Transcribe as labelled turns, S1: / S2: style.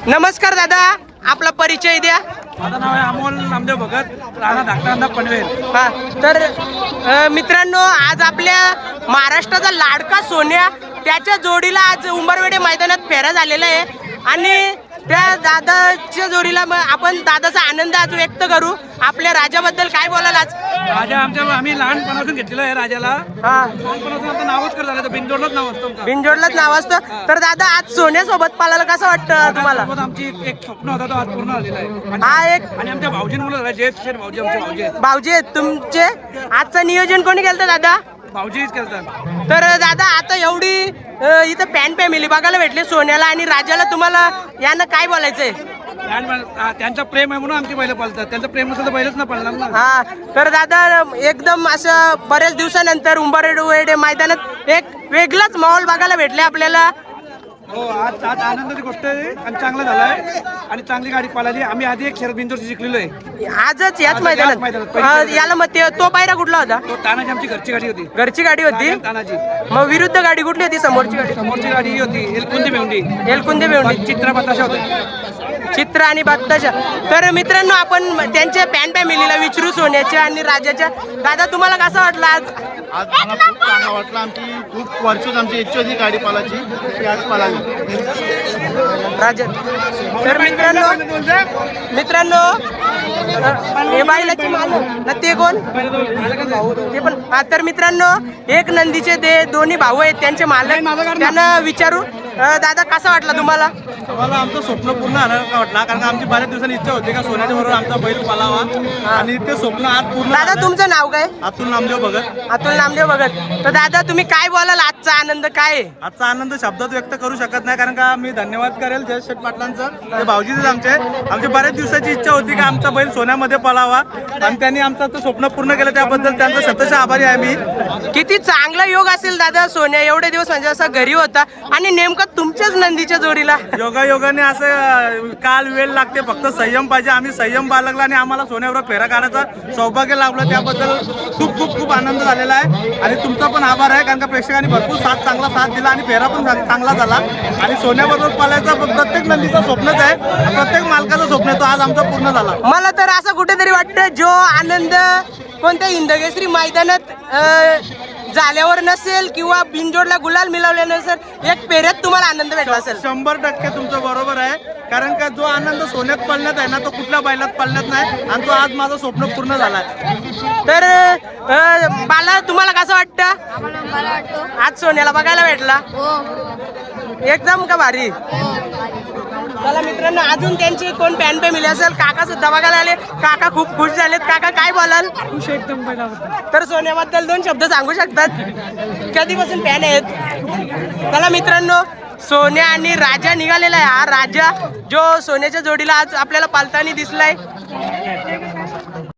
S1: नमस्कार दादा, आपला परिचय द्या.
S2: माझं नाव आहे अमोल नामदेव भगत, राणा धाकटा पनवेल.
S1: हा तर मित्रांनो, आज आपल्या महाराष्ट्राचा लाडका सोन्या त्याच्या जोडीला आज उंबरवेडे मैदानात फेरा झालेला आहे आणि त्या दादाच्या जोडीला आपण दादाचा आनंद आज व्यक्त करू. आपल्या राजाबद्दल काय बोलाल आज?
S2: राजा आम्ही लहानपणापासून घेतलेलं आहे राजाला.
S1: हा,
S2: लहानपणापासून आता नावच कर झालं, बिनजोडलाच नाव असतं.
S1: बिनजोडलाच नाव असतं. तर दादा आज सोन्यासोबत पालाला कसं वाटतं तुम्हाला?
S2: आमची एक स्वप्न होता, तो आज पूर्ण झालेला आहे.
S1: हा एक
S2: आणि आमच्या भाऊजीन मुलं झाले, जयेश शेठ भाऊजी, आमचे भाऊजी आहेत.
S1: भाऊजी आहेत तुमचे. आजचं नियोजन कोणी केलं दादा?
S2: भाऊजीच करतात.
S1: तर दादा आता एवढी इथं फॅन फॅमिली बघायला भेटली सोन्याला आणि राजाला, तुम्हाला यानं काय बोलायचंय?
S2: त्यांचं प्रेम आहे म्हणून आमची बैल पळतात, त्यांचं प्रेम नसेल तर बैलच ना पळणार ना.
S1: हा तर दादा एकदम असं बऱ्याच दिवसानंतर उंबरवेडे मैदानात एक वेगळाच माहोल बघायला भेटले आपल्याला.
S2: हो, आज आनंदाची गोष्ट आहे आणि चांगला झालाय आणि चांगली गाडी पळाली. आम्ही आधी एक शरद बिंदूरची जिंकलेलो आहे
S1: आजच याच मैदानात. याला मग तो पायरा कुठला होता?
S2: तो तानाची आमची घरची गाडी होती.
S1: घरची गाडी होती.
S2: तानाची.
S1: मग विरुद्ध गाडी कुठली होती? समोरची
S2: गाडी ही होती एलकुंदी भेंडी.
S1: एलकुंदे भेंडी.
S2: चित्रा बताशा होते.
S1: चित्र आणि बात्ताशा. तर मित्रांनो, आपण त्यांच्या फॅन फॅमिलीला विचारू सोन्याच्या आणि राजाच्या. दादा तुम्हाला कसं वाटलं आज?
S3: आज मला खूप चांगला वाटलं. आमची खूप वर्षच आमची इच्छा होती गाडी पालाची, ती आज पालाली.
S1: राजा. तर मित्रांनो हे बैलाची मालक ते कोण? ते पण. तर मित्रांनो, एक नंदीचे ते दोन्ही भाऊ आहेत, त्यांचे मालक. त्यांना विचारू. दादा कसा वाटला तुम्हाला?
S3: मला आमचं स्वप्न पूर्ण वाटला, कारण आमची बऱ्याच दिवसांनी इच्छा होती का सोन्याच्या बरोबर आमचा बैल पालावा आणि ते स्वप्न आज पूर्ण.
S1: दादा तुमचं नाव काय?
S3: अतुल नामदेव भगत.
S1: अतुल नामदेव भगत. तर दादा तुम्ही काय बोलाल? आजचा आनंद काय आहे?
S3: आजचा आनंद शब्दात व्यक्त करू शकत नाही, कारण का मी धन्यवाद करेल जयेश शेठ पाटलांचं. ते भाऊजीच आमची बऱ्याच दिवसाची इच्छा होती की आमचा बैल सोन्यामध्ये पळावा आणि त्यांनी आमचं स्वप्न पूर्ण केलं, त्याबद्दल त्यांचा शतशः आभारी आहे मी.
S1: किती चांगला योग असेल दादा, सोन्या एवढे दिवस म्हणजे असा घरी होता आणि नेमका तुमच्याच नंदीच्या जोडीला.
S3: योगायोगाने असं काल वेळ लागते, फक्त संयम पाहिजे. आम्ही संयम बाळगला आणि आम्हाला सोन्यावर फेरा काढायचा सौभाग्य लाभलं, त्याबद्दल खूप खूप खूप आनंद झालेला आहे. आणि तुमचा पण आभार आहे, कारण का प्रेक्षकांनी भरपूर चांगला साथ दिला आणि फेरा पण चांगला झाला. आणि सोन्याबरोबर पालायचा प्रत्येक नंदीचं स्वप्नच आहे, प्रत्येक मालकाचं स्वप्न आहे, तो आज आमचा पूर्ण झाला.
S1: मला तर असं कुठेतरी वाटतं, जो आनंद कोणत्या हिंदकेसरी मैदानात झाल्यावर नसेल किंवा बिनजोडला गुलाल मिळवले नसेल, एक पेऱ्यात तुम्हाला आनंद भेटला असेल.
S3: 100% तुमचं बरोबर आहे, कारण का जो आनंद सोन्यात पळण्यात आहे ना, तो कुठल्या बैलात पळण्यात नाही. आणि तो आज माझं स्वप्न पूर्ण झालाय.
S1: तर बाला तुम्हाला कसं वाटतं? आज सोन्याला बघायला भेटला एकदम का भारी. चला मित्रांनो, अजून त्यांचे कोण फॅन फॅमिली असेल, काका सुद्धा बघायला आले. काका खूप खुश झालेत. काका काय बोलाल?
S2: खुश एकदम बैलाबद्दल.
S1: तर सोन्याबद्दल 2 शब्द सांगू शकतात? कधीपासून फॅन आहेत? चला मित्रांनो, सोन्या आणि राजा निघालेला आहे. हा राजा जो सोन्याच्या जोडीला आज आपल्याला पालताना दिसलाय.